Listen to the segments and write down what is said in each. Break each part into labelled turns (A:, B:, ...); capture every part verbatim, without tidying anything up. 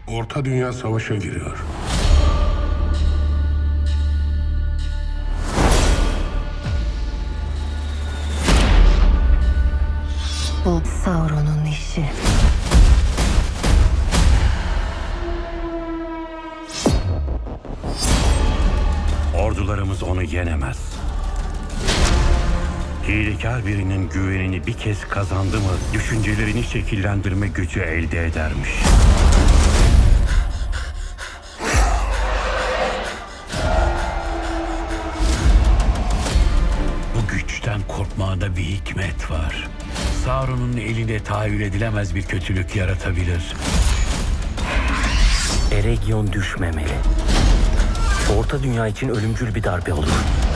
A: Orta Dünya savaşa giriyor.
B: Bu Sauron'un işi.
C: Ordularımız onu yenemez. Hilekar birinin güvenini bir kez kazandı mı, düşüncelerini şekillendirme gücü elde edermiş. Bu güçten korkmağında bir hikmet var. Sauron'un elinde tahayyül edilemez bir kötülük yaratabilir.
D: Eregion düşmemeli. Orta Dünya için ölümcül bir darbe olur.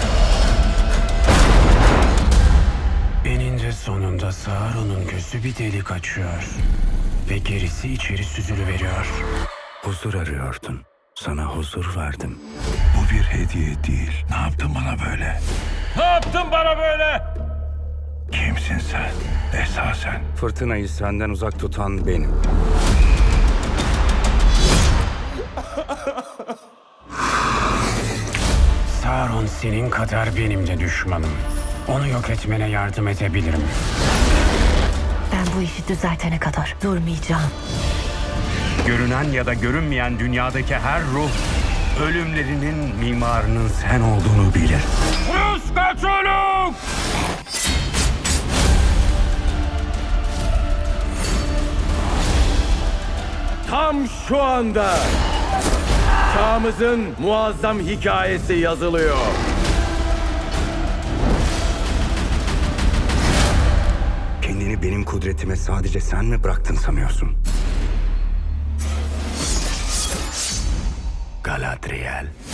C: Eninde sonunda Sauron'un gözü bir delik açıyor. Ve gerisi içeri süzülüveriyor. Huzur arıyordun. Sana huzur verdim.
E: Bu bir hediye değil. Ne yaptın bana böyle?
C: Ne yaptın bana böyle?
E: Kimsin sen? Esasen.
C: Fırtınayı senden uzak tutan benim. Sauron senin kadar benim de düşmanım. Onu yok etmene yardım edebilirim.
B: Ben bu işi düzeltene kadar durmayacağım.
C: Görünen ya da görünmeyen dünyadaki her ruh ölümlerinin mimarının sen olduğunu bilir. Rüskaçoluk!
F: Tam şu anda çağımızın muazzam hikayesi yazılıyor.
C: Kendini benim kudretime sadece sen mi bıraktın sanıyorsun? Galadriel.